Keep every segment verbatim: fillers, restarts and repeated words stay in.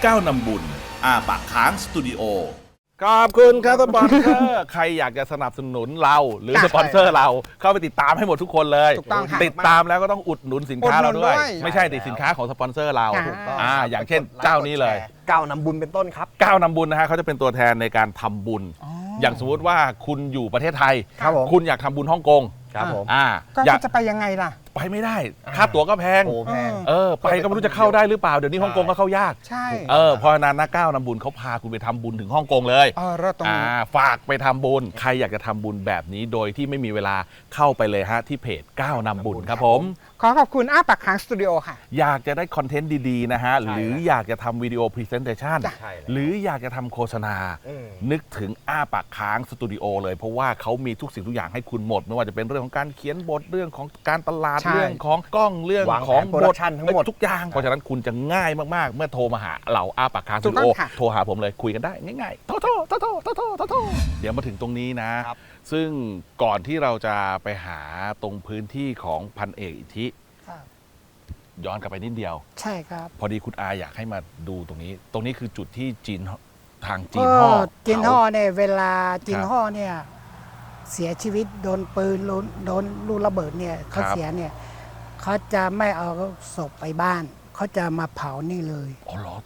ก้าวนำบุญอาปากค้างสตูดิโอขอบคุณครับสปอนเซอร์ใครอยากจะสนับสนุนเราหรือสปอนเซอร์เราเข้าไปติดตามให้หมดทุกคนเลยถูกต้องค่ะติดตามแล้วก็ต้องอุดหนุนสินค้าเราด้วย ไม่ใช่ติดสินค้าของสปอนเซอร์เราถูกต้องอ่าอย่างเช่นเจ้านี้เลยก้าวนำบุญเป็นต้นครับก้าวนำบุญนะฮะเขาจะเป็นตัวแทนในการทำบุญ อย่างสมมติว่าคุณอยู่ประเทศไทยครับผมคุณอยากทำบุญฮ่องกงครับผมอ่าก็อยากจะไปยังไงล่ะไปไม่ได้ค่าตั๋วก็แพงโอ้แพงเออไปก็ไม่รู้จะเข้าได้หรือเปล่าเดี๋ยวนี้ฮ่องกงก็เข้ายากใช่เออเพราะฉะนั้นนะก้าวนำบุญเขาพาคุณไปทำบุญถึงฮ่องกงเลยเออเราตรงอ่านี้ฝากไปทำบุญใครอยากจะทำบุญแบบนี้โดยที่ไม่มีเวลาเข้าไปเลยฮะที่เพจก้าวนำบุญครับผมขอขอบคุณอ้าปากค้างสตูดิโอค่ะอยากจะได้คอนเทนต์ดีๆนะฮะหรืออยากจะทำวิดีโอพรีเซนเทชันจ้ะหรืออยากจะทำโฆษณาอืมนึกถึงอ้าปากค้างสตูดิโอเลยเพราะว่าเขามีทุกสิ่งทุกอย่างให้คุณหมดไม่ว่าจะเป็นเรื่องของการเขียนบทเรื่องของการตลาดใช่เรื่องของกล้องเรื่องวางแผนของโปรดักชันทั้งหมดทุกอย่างเพราะฉะนั้นคุณจะง่ายมากๆ เมื่อโทรมาหาเราอ้าปากค้างสตูดิโอถูกต้องค่ะโทรหาผมเลยคุยกันได้ง่ายๆโทรโทรโทรโทรโทรโทรโทรโทรเดี๋ยวมาถึงตรงนี้นะครับซึ่งก่อนที่เราจะไปหาตรงพื้นที่ของพันเอกอิทธิครับย้อนกลับไปนิดเดียวใช่ครับพอดีคุณอาอยากให้มาดูตรงนี้ ตรงนี้คือจุดที่จีนทางจีก็นห่อจินห่อเนี่ยเวลาจิคน รับห่อเนี่ยเสียชีวิตโดนปืนโดนโดนลูกระเบิดเนี่ยเขาครับเสียเนี่ยเขาจะไม่เอาศพไปบ้านเขาจะมาเผานี่เลยอ๋อเหรอ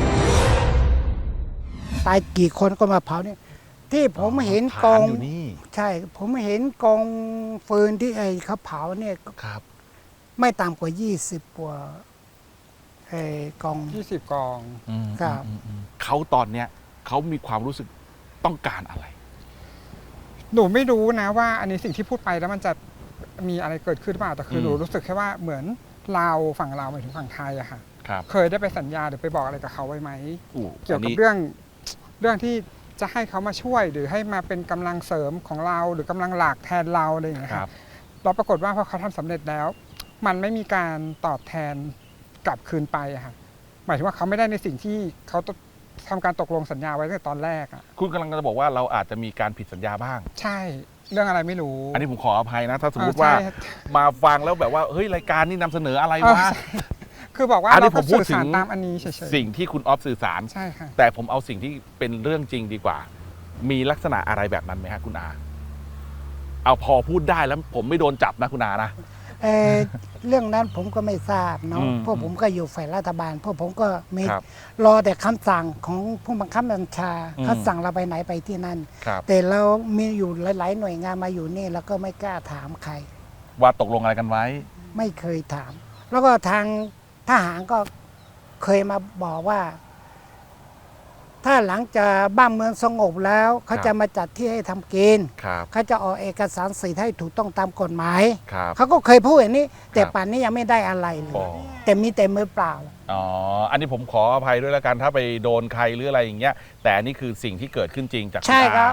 ตายกี่คนก็มาเผานี่ที่ผมเห็นกองฐานอยู่นี่ใช่ ผมเห็นกองฟืนที่ไอ้เขาเผาเนี่ยครับไม่ต่ำกว่ายี่สิบกว่าไอ้กองยี่สิบกองอืมครับอืมอืมเขาตอนเนี้ยเขามีความรู้สึกต้องการอะไรหนูไม่รู้นะว่าอันนี้สิ่งที่พูดไปแล้วมันจะมีอะไรเกิดขึ้นหรือเปล่าแต่คืออมหนูรู้สึกแค่ว่าเหมือนเราฝั่งเราหมายถึงฝั่งไทยอะค่ะครับเคยได้ไปสัญญาหรือไปบอกอะไรกับเขาไว้ไหมอู้เกี่ยวอันกับนี้เรื่องเรื่องที่จะให้เขามาช่วยหรือให้มาเป็นกำลังเสริมของเราหรือกำลังหลักแทนเราอะไรอย่างเงี้ยคครัรับบเราปรากฏว่าพอเขาทำสำเร็จแล้ว มันไม่มีการตอบแทนกลับคืนไปอะค่ะหมายถึงว่าเขาไม่ได้ในสิ่งที่เขาทำการตกลงสัญญาไว้ตั้งแต่ตอนแรกอะคุณกำลังจะบอกว่าเราอาจจะมีการผิดสัญญาบ้างใช่เรื่องอะไรไม่รู้อันนี้ผมขออภัยนะ ถ้าสมมติเออว่าใช่มาฟังแล้วแบบว่าเฮ้ยรายการนี้นำเสนออะไรเออวะใช่คือบอกว่าอันนี้เราก็ผมพูดสื่อสารถึงตามอันนี้เฉยสิ่งที่คุณออฟสื่อสารๆใช่ค่ะแต่ผมเอาสิ่งที่เป็นเรื่องจริงดีกว่า มีลักษณะอะไรแบบนั้นไหมฮะคุณอา เอาพอพูดได้แล้วผมไม่โดนจับนะคุณอานะเอ่อ เรื่องนั้นผมก็ไม่ทราบเนาะอืมเพราะผมก็อยู่ฝ่ายรัฐบาลเพราะผมก็มีครับรอแต่คำสั่งของผู้บังคับบัญชาอืมเขาสั่งเราไปไหนไปที่นั่นครับแต่เรามีอยู่หลาย ๆ หน่วยงานมาอยู่นี่แล้วก็ไม่กล้าถามใครว่าตกลงอะไรกันไว้ไม่เคยถาม แล้วก็ทางทหารก็เคยมาบอกว่า ถ้าหลังจากบ้านเมืองสงบแล้วเขาจะมาจัดที่ให้ทำกินครับเขาจะออกเอกสารสิทธิ์ให้ถูกต้องตามกฎหมายครับเขาก็เคยพูดอย่างนี้ แต่ครับป่านนี้ยังไม่ได้อะไรเลอ๋ยอแต่มีแต่มือเปล่าอ๋อ อันนี้ผมขออภัยด้วยแล้วกันถ้าไปโดนใครหรืออะไรอย่างเงี้ย แต่อันนี้คือสิ่งที่เกิดขึ้นจริงจากณใช่ครับอา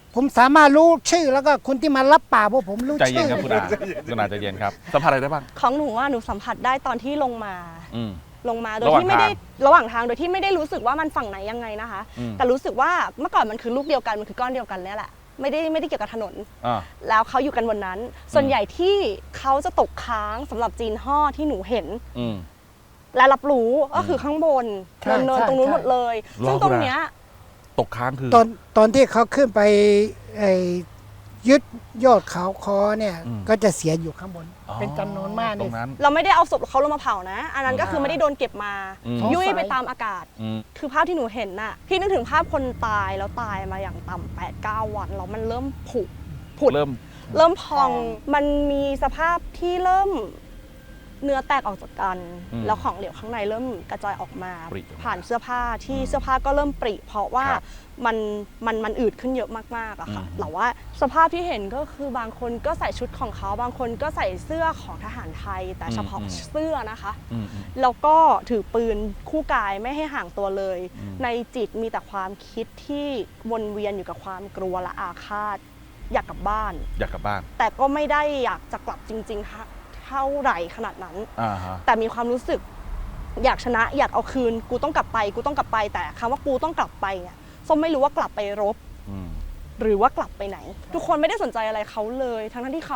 ผมสามารถรู้ชื่อแล้วก็คุณที่มารับป่ากพวกผมรู้ใจเย็ชื่นอครับคุณอาคุณอาใจเย็นครับ สัมผัสอะไรได้บ้างของหนูว่าหนูสัมผัสได้ตอนที่ลงมาอืมลงมาโดยระหว่างที่ไม่ได้ทางระหว่างทางโดยที่ไม่ได้รู้สึกว่ามันฝั่งไหนยังไงนะคะอืมแต่รู้สึกว่าเมื่อก่อนมันคือลูกเดียวกันมันคือก้อนเดียวกันเนี่ยแหละไม่ได้ไม่ได้เกี่ยวกับถนนอ่าแล้วเขาอยู่กันบนนั้น ส่วนใหญ่ที่เขาจะตกค้างสำหรับจีนห่อที่หนูเห็นอืมและรับรู้ก็คือข้างบนใช่เนินใช่ๆตรงนู้นใช่หมดเลยรอซึ่งคุณตรงอาเนี้ยตกค้างคือตอนตอนที่เขาขึ้นไปไอ้ยึดยอดเขาคอเนี่ยอืมก็จะเสียอยู่ข้างบนอ๋อเป็นจำนวนมากตรนี่งนั้นเราไม่ได้เอาศพเขาลงมาเผานะ อันนั้นก็คือไม่ได้โดนเก็บมาอืมยุ่ยไปตามอากาศอืมคือภาพที่หนูเห็นน่ะ พี่นึกถึงภาพคนตายแล้วตายมาอย่างต่ำแปดเก้าวันแล้วมันเริ่มผุผุดเริ่มเริ่มพองมันมีสภาพที่เริ่มเนื้อแตกออกจากกันอืมแล้วของเหลวข้างในเริ่มกระจายออกมาปริออกมาผ่านเสื้อผ้าที่เสื้อผ้าก็เริ่มปริ เพราะว่าครับมันมันมันอืดขึ้นเยอะมากๆอะค่ะอืมแต่ว่าสภาพที่เห็นก็คือบางคนก็ใส่ชุดของเขาบางคนก็ใส่เสื้อของทหารไทย แต่เฉพาะเสื้อนะคะอืมอืมแล้วก็ถือปืนคู่กายไม่ให้ห่างตัวเลยอืมในจิตมีแต่ความคิดที่วนเวียนอยู่กับความกลัวและอาฆาต อยากกลับบ้านอยากกลับบ้านแต่ก็ไม่ได้อยากจะกลับจริงๆเท่าไหร่ขนาดนั้นอ่าฮะแต่มีความรู้สึกอยากชนะอยากเอาคืน กูต้องกลับไป กูต้องกลับไป แต่คำว่ากูต้องกลับไปเนี่ยส้มไม่รู้ว่ากลับไปรบอืมหรือว่ากลับไปไหน ทุกคนไม่ได้สนใจอะไรเขาเลย ทั้งๆที่เขาอะ มองว่าเขาคือแบบอนุชนคนรุ่นหลังนะเขาคือคนที่แบบ เปลี่ยนชีวิตตัวเอง แล้วก็สร้างสรรค์ให้กับคนอื่น แล้วก็สร้างสรรค์ให้กับประเทศไทย แล้วก็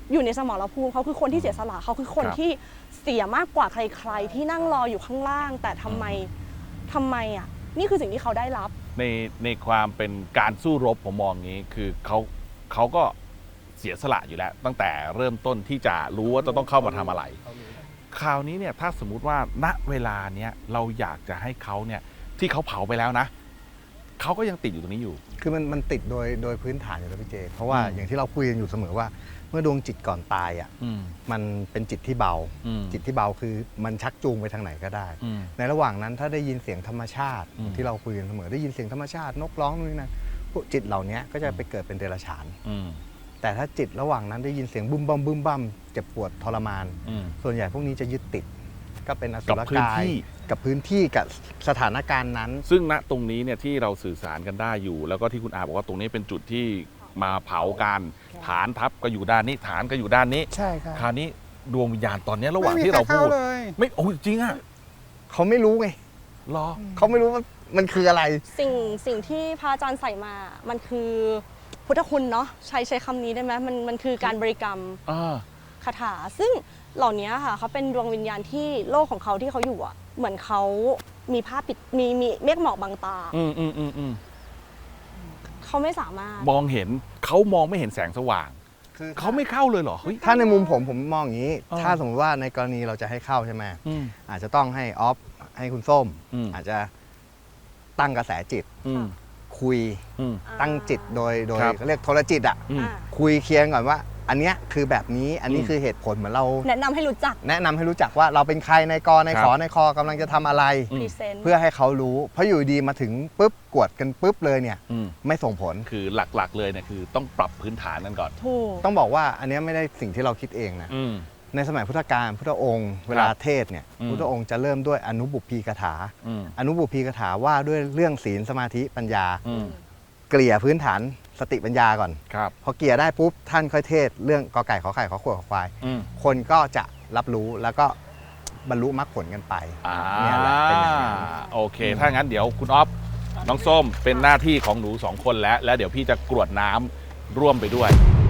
อยู่ในสมรภูมิเขาคือคนที่เสียสละเขาคือคนครับที่เสียมากกว่าใครๆที่นั่งรออยู่ข้างล่าง แต่ทำไมทำไมอ่ะนี่คือสิ่งที่เขาได้รับในในความเป็นการสู้รบผมมองงี้ คือเขาเขาก็เสียสละอยู่แล้ว ตั้งแต่เริ่มต้นที่จะรู้ว่าจะต้องเข้ามาทำอะไร คราวนี้เนี่ยถ้าสมมุติว่าณเวลาเนี้ยเราอยากจะให้เขาเนี่ยที่เขาเผาไปแล้วนะเขาก็ยังติดอยู่ตรงนี้อยู่คือมันมันติดโดยโดยพื้นฐานอยู่แล้วพี่เจ เพราะว่าอืมอย่างที่เราคุยกันอยู่เสมอว่า เมื่อดวงจิตก่อนตายอ่ะอืมมันเป็นจิตที่เบาอืมจิตที่เบาคือมันชักจูงไปทางไหนก็ได้อืมในระหว่างนั้นถ้าได้ยินเสียงธรรมชาติอืมที่เราคุยกันเสมอได้ยินเสียงธรรมชาตินกร้องนู่นนี่นั่นพวกจิตเหล่านี้ก็จะไปเกิดเป็นเดรัจฉานอืมแต่ถ้าจิตระหว่างนั้นได้ยินเสียงบึ้มบัมบึ้มบัมเจ็บปวดทรมานอืมส่วนใหญ่พวกนี้จะยึดติด ก็เป็นอสุกับรพื้นกายที่กับพื้นที่กับสถานการณ์นั้นซึ่งณตรงนี้เนี่ยที่เราสื่อสารกันได้อยู่ แล้วก็ที่คุณอาบอกว่าตรงนี้เป็นจุดที่มาเผากันฐานทัพก็อยู่ด้านนี้ฐานก็อยู่ด้านนี้ใช่ครับคราวนี้ดวงวิญญาณตอนนี้ระหว่างไม่มีที่เราใครพูดเข้าเลยไม่โอ้ยจริงอ่ะเขาไม่รู้ไงรอเขาไม่รู้ว่ามันคืออะไรสิ่งสิ่งที่พระอาจารย์ใส่มา มันคือพุทธคุณเนาะใช้ใช้คำนี้ได้ไหมมันมันคือการบริกรรมอ่าคาถา ซึ่งเหล่านี้ค่ะเขาเป็นดวงวิญญาณที่โลกของเขาที่เขาอยู่อ่ะ เหมือนเขามีผ้าปิดมีมีเมฆหมอกบังตาอืมอืมอืมอืมเขาไม่สามารถมองเห็นเขามองไม่เห็นแสงสว่างคือเขาไม่เข้าเลยเหรอเฮ้ยถ้าในมุมผมผมมองอย่างนี้เออถ้าสมมติว่าในกรณีเราจะให้เข้าใช่ไหมอืมอาจจะต้องให้ออฟให้คุณส้มอืมอาจจะตั้งกระแสจิตอืมคุยอืมตั้งจิตโดยโดยครับเขาเรียกโทรจิตอ่ะอืมอ่าคุยเคลียร์ก่อนว่า อันเนี้ยคือแบบนี้อันนี้อืมคือเหตุผลเหมือนเราแนะนำให้รู้จักแนะนำให้รู้จักว่าเราเป็นใครในกอในครับขอในคอกำลังจะทำอะไรอืมพรีเซนต์เพื่อให้เขารู้ เพราะอยู่ดีมาถึงปุ๊บกวดกันปุ๊บเลยเนี่ยอืมไม่ส่งผลคือหลักๆเลยเนี่ยคือต้องปรับพื้นฐานกันก่อนถูกต้องบอกว่าอันเนี้ยไม่ได้สิ่งที่เราคิดเองนะอืมในสมัยพุทธกาลพุทธองค์ เวลาเทศน์เนี่ยอืมพุทธองค์จะเริ่มด้วยอนุบุพพีกถาอืมอนุบุพพีกถาว่าด้วยเรื่องศีลสมาธิปัญญาอืมเกลี่ยพื้นฐานสติปัญญาก่อนครับพอเกลี่ยได้ปุ๊บท่านค่อยเทศน์เรื่องกอไก่ขอไข่ขอขวดขอควายอืมคนก็จะรับรู้แล้วก็บรรลุมรรคผลกันไปอ่าเนี่ยแหละเป็นอย่างนั้นโอเค ถ้างั้นเดี๋ยวคุณออฟน้องส้มเป็นหน้าที่ของหนูสองคนแล้ว แล้วเดี๋ยวพี่จะกรวดน้ำร่วมไปด้วย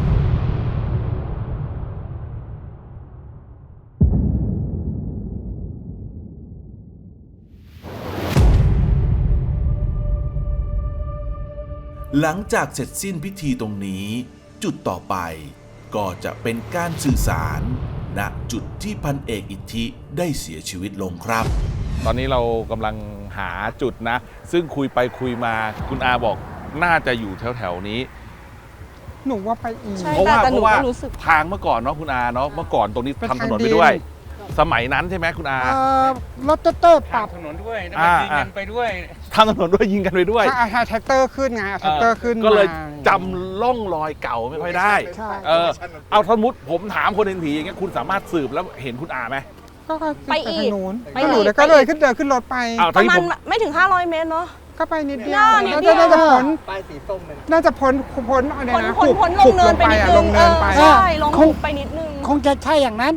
หลังจากเสร็จสิ้นพิธีตรงนี้ จุดต่อไปก็จะเป็นการสื่อสารณจุดที่พันเอกอิทธิได้เสียชีวิตลงครับตอนนี้เรากำลังหาจุดนะ ซึ่งคุยไปคุยมาคุณอาบอกน่าจะอยู่แถวๆนี้หนูว่าไปอีกใช่เพราะว่าแต่เพหนูราะว่าก็รู้สึกทางเมื่อก่อนเนาะคุณอาเนาะเมื่อก่อนตรงนี้เป็นทำถนนทางไปดินด้วย สมัยนั้นใช่ไหมคุณอาเอ่อรถเตอร์ปรับถนนด้วยแล้วอ่าก็ยิงกันไปด้วยทำถนนด้วยยิงกันไปด้วยถ้าเอาแท็กเตอร์ขึ้นไงเอาแท็กเตอร์ขึ้นก็เลยมาจำล่องรอยเก่าไม่ค่อยได้ใช่เออเอาสมมติผมถามคนเห็นผีอย่างเงี้ยคุณสามารถสืบแล้วเห็นคุณอาไหมก็ก็ไปอีกทางนู้นไปก็หนูอีกเลยก็เลยขึ้นเดินขึ้นรถไปอ้าวปทั้งระที่มาณผมไม่ถึงห้าร้อยเมตรเนาะก็ไปนิดเดียวน่านิดน่าเดีจะยวน่าจะพ้นป้ายสีส้มเลยน่าจะพ้นพ้นอะไรพ้นนะพ้นพ้นลขุงบเนินไปนิดอะนึลงงเอเนินอไปใช่ลงคงไปนิดนึงคงจะใช่อย่างนั้น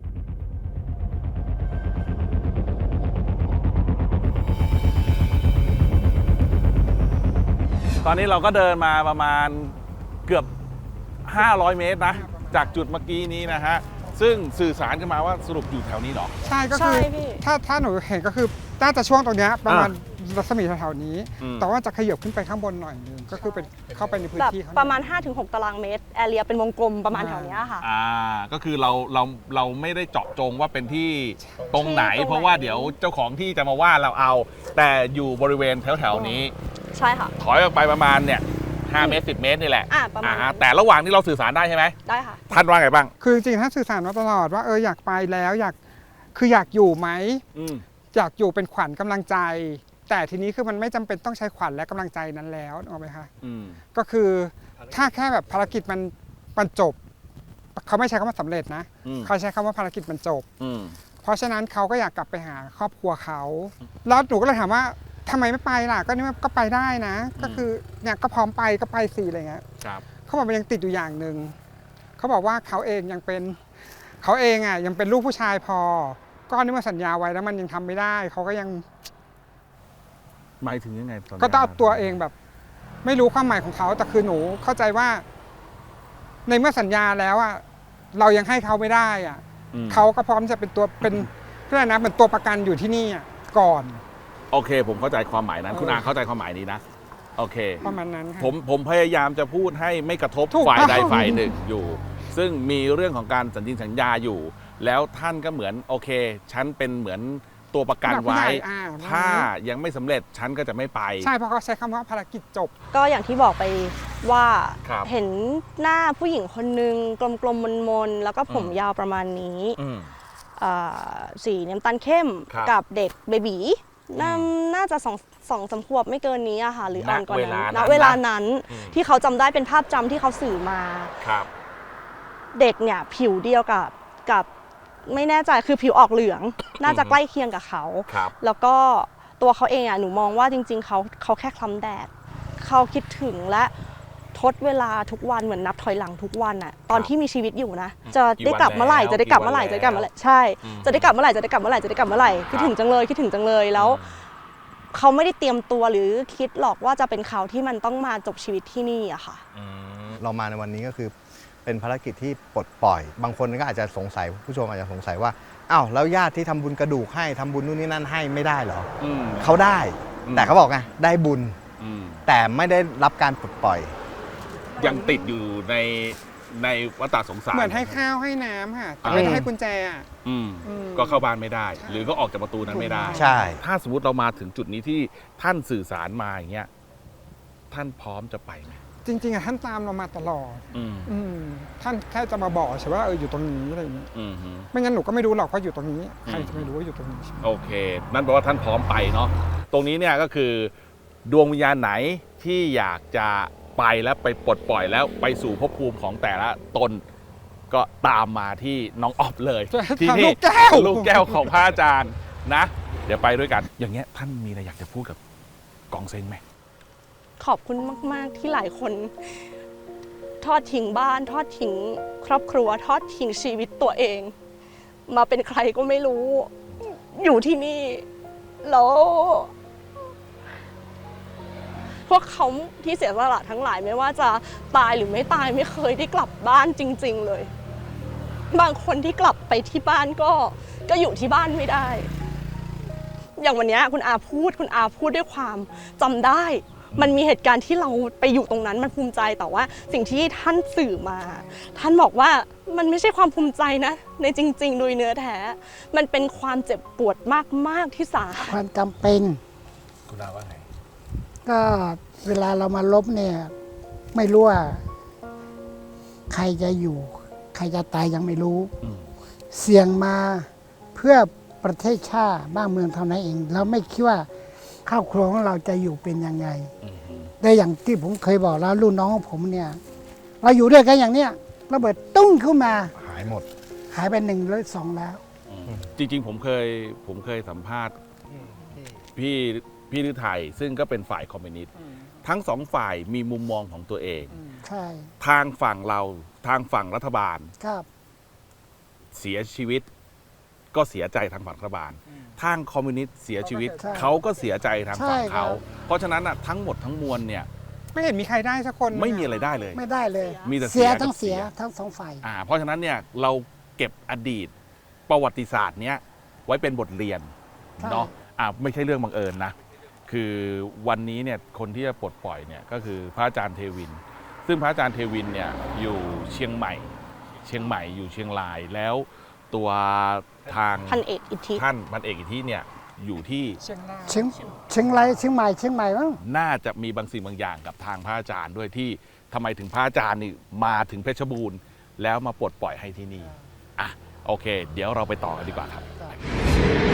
ตอนนี้เราก็เดินมาประมาณเกือบ ห้าร้อย เมตรนะ จากจุดเมื่อกี้นี้นะฮะ ซึ่งสื่อสารกันมาว่าสรุปอยู่แถวนี้เหรอใช่ก็ใช่คือพี่ถ้าถ้าหนูเห็นก็คือน่าจะช่วงตรงเนี้ยประมาณอ่รัศมีแถวๆนี้อืมแต่ว่าจะขยับขึ้นไปข้างบนหน่อยนึงก็คือเป็นเข้าไปในพื้นแบบที่เขาประมาณ ห้าถึงหก ตารางเมตร แอเรียเป็นวงกลมประมาณแถวเนี้ยค่ะอ่า ก็คือเราเราเราไม่ได้เจาะจงว่าเป็นที่ตรงไหนที่ตรงไหนเพราะว่าเดี๋ยวเจ้าของที่จะมาว่าเราเอา แต่อยู่บริเวณแถวๆนี้ใช่ค่ะถอยออกไปประมาณเนี่ยห้าเมตรสิบเมตรนี่แหละอ่าประมาณนั้นแต่ระหว่างที่เราสื่อสารได้ใช่ไหมได้ค่ะท่านว่าไงบ้างคือจริงๆถ้าสื่อสารมาตลอดว่าเอออยากไปแล้วอยากคืออยากอยู่ไหมอืมอยากอยู่เป็นขวัญกำลังใจ แต่ทีนี้คือมันไม่จำเป็นต้องใช้ขวัญและกำลังใจนั้นแล้วนึกออกไหมคะอืมก็คือถ้าแค่แบบภารกิจมันมันจบ เขาไม่ใช้คำว่าสำเร็จนะอืมเขาใช้คำว่าภารกิจมันจบอืมเพราะฉะนั้นเขาก็อยากกลับไปหาครอบครัวเขา แล้วหนูก็เลยถามว่าทำไมไม่ไปล่ะ ก็นี่มันก็ไปได้นะ ก็คือเนี่ยก็พร้อมไปก็ไปสิอะไรเงี้ยครับเขาบอกมันยังติดอยู่อย่างหนึ่ง เขาบอกว่าเขาเองยังเป็นเขาเองอ่ะยังเป็นลูกผู้ชายพอ ก็นี่มาสัญญาไว้แล้วมันยังทำไม่ได้ เขาก็ยังหมายถึงยังไงตนนี้ก็ต้องเอาตัวเองแบบ ไม่รู้ความหมายของเขาแต่คือหนูเข้าใจว่า ในเมื่อสัญญาแล้วอ่ะเรายังให้เขาไม่ได้อ่ะอืมเขาก็พร้อมจะเป็นตัวเป็นเพื่อนนะเป็นตัวประกันอยู่ที่นี่อ่ะก่อนโอเค ผมเข้าใจความหมายนั้นเออคุณอาเข้าใจความหมายนี้นะ โอเคประมาณนั้นค่ะผมผมพยายามจะพูดให้ไม่กระทบถูกฝ่ายใดต้องฝ่ายหนึ่งอยู่ ซึ่งมีเรื่องของการสัญญิงสัญญาอยู่ แล้วท่านก็เหมือนโอเค ฉันเป็นเหมือนตัวประกันผู้ไว้ใหญ่อ่าถ้ายังไม่สำเร็จฉันก็จะไม่ไปใช่เพราะเขาใช้คำว่าภารกิจจบก็อย่างที่บอกไปว่าครับเห็นหน้าผู้หญิงคนนึงกลมๆมนๆแล้วก็ผมอืมยาวประมาณนี้อืมอ่าสีน้ำตาลเข้มครับกับเด็กเบบีน่าน่าจะสองสองสามขวบไม่เกินนี้อะค่ะหรืออ่อนกว่านั้นณณเวเวลาลานั้นนั้นอืมที่เขาจำได้เป็นภาพจำที่เขาสื่อมาครับเด็กเนี่ยผิวเดียวกับกับไม่แน่ใจคือผิวออกเหลือง น่าจะใกล้เคียงกับเขาครับแล้วก็ตัวเขาเองอ่ะหนูมองว่าจริง ๆเขาเขาแค่คล้ำแดดเขาคิดถึงและทดเวลาทุกวันเหมือนนับถอยหลังทุกวันอ่ะตอนที่มีชีวิตอยู่นะ จะได้กลับเมื่อไหร่จะได้กลับเมื่อไหร่จะได้กลับเมื่อไหร่ใช่อืมจะได้กลับเมื่อไหร่จะได้กลับเมื่อไหร่จะได้กลับเมื่อไหร่คิดถึงจังเลยคิดถึงจังเลยแล้ว เขาไม่ได้เตรียมตัวหรือคิดหรอกว่าจะเป็นเขาที่มันต้องมาจบชีวิตที่นี่อะค่ะอืมเรามาในวันนี้ก็คือเป็นภารกิจที่ปลดปล่อย บางคนก็อาจจะสงสัยผู้ชมอาจจะสงสัยว่าอ้าวแล้วญาติที่ทำบุญกระดูกให้ทำบุญนู่นนี่นั่นให้ไม่ได้เหรออืมเขาได้อืมแต่เขาบอกไงได้บุญอืมแต่ไม่ได้รับการปลดปล่อยยังติดอยู่ในในวัฏสงสารเหมือนให้ข้าวให้น้ำค่ะแต่อืมไม่ได้ให้กุญแจอ่ะอืมอืมก็เข้าบ้านไม่ได้ หรือก็ออกจากประตูนั้นไม่ได้ใช่ถ้าสมมติเรามาถึงจุดนี้ที่ท่านสื่อสารมาอย่างเงี้ยท่านพร้อมจะไปไหมจริงๆอะท่านตามเรามาตลอดอืมอืมท่านแค่จะมาบอกใช่ว่าเอออยู่ตรงนี้อะไรอย่างเงี้ยอืมฮึไม่งั้นหนูก็ไม่รู้หรอกว่าอยู่ตรงนี้ใครอืมจะไม่รู้ว่าอยู่ตรงนี้โอเค นั่นแปลว่าท่านพร้อมไปเนาะตรงนี้เนี่ยก็คือ ดวงวิญญาณไหนที่อยากจะไปแล้วไปปลดปล่อยแล้วไปสู่ภพภูมิของแต่ละตน ก็ตามมาที่น้องออฟเลย ที่ทางนี่ลูกแก้วลูกแก้วของพระอาจารย์นะ เดี๋ยวไปด้วยกัน อย่างเงี้ยท่านมีอะไรอยากจะพูดกับกองเซ็งไหมขอบคุณมาก ๆ ที่หลายคน ทอดทิ้งบ้าน ทอดทิ้งครอบครัว ทอดทิ้งชีวิตตัวเอง มาเป็นใครก็ไม่รู้ อยู่ที่นี่ แล้ว พวกเขาที่เสียสละทั้งหลายไม่ว่าจะตายหรือไม่ตายไม่เคยได้กลับบ้านจริง ๆ เลย บางคนที่กลับไปที่บ้านก็ก็อยู่ที่บ้านไม่ได้ อย่างวันนี้คุณอาพูดคุณอาพูดด้วยความจำได้ มันมีเหตุการณ์ที่เราไปอยู่ตรงนั้นมันภูมิใจแต่ว่าสิ่งที่ท่านสื่อมา ท่านบอกว่ามันไม่ใช่ความภูมิใจนะในจริง ๆ โดยเนื้อแท้ มันเป็นความเจ็บปวดมากๆที่สาหัสความจำเป็นคุณอาว่าไงก็เวลาเรามาลบเนี่ย ไม่รู้ว่า ใครจะอยู่ ใครจะตายยังไม่รู้อืมเสี่ยงมาเพื่อประเทศชาติบ้านเมืองเท่านั้นเอง เราไม่คิดว่าครอบครัวของเราจะอยู่เป็นยังไงอืมฮึได้อย่างที่ผมเคยบอกแล้วรุ่นน้องของผมเนี่ย เราอยู่ด้วยกันอย่างเนี้ยระเบิดตุ้งขึ้นมาหายหมดหายไปหนึ่งหรือสองแล้วอืมจริง ๆ ผมเคยผมเคยสัมภาษณ์พี่พี่ฤทัยซึ่งก็เป็นฝ่ายคอมมิวนิสต์ทั้งสองฝ่ายมีมุมมองของตัวเองใช่ทางฝั่งเราทางฝั่งรัฐบาลครับเสียชีวิต ก็เสียใจทางฝั่งรัฐบาล ทางคอมมิวนิสต์เสียชีวิตใช่เขาก็เสียใจทางฝั่งใช่ครับเขา เพราะฉะนั้นน่ะทั้งหมดทั้งมวลเนี่ยไม่เห็นมีใครได้สักคนไม่มีอะไรได้เลยไม่ได้เลยมีแต่เสีเสียยกับทั้งเสียเสียทั้งสองฝ่ายอ่าเพราะฉะนั้นเนี่ยเราเก็บอดีตประวัติศาสตร์เนี้ยไว้เป็นบทเรียนใช่เนาะอ่าไม่ใช่เรื่องบังเอิญนะ คือวันนี้เนี่ยคนที่จะปลดปล่อยเนี่ยก็คือพระอาจารย์เทวิน ซึ่งพระอาจารย์เทวินเนี่ยอยู่เชียงใหม่ เชียงใหม่อยู่เชียงรายแล้วตัวทางพันเอกอิทธิท่านพันเอกอิทธิเนี่ยอยู่ที่เชียงรายเชียงเชียงรายเชียงใหม่เชียงใหม่มั้งน่าจะมีบางสิ่งบางอย่างกับทางพระอาจารย์ด้วยที่ทำไมถึงพระอาจารย์นี่มาถึงเพชรบูรณ์ แล้วมาปลดปล่อยให้ที่นี่อ่ะโอเค เดี๋ยวเราไปต่อกันดีกว่าครับ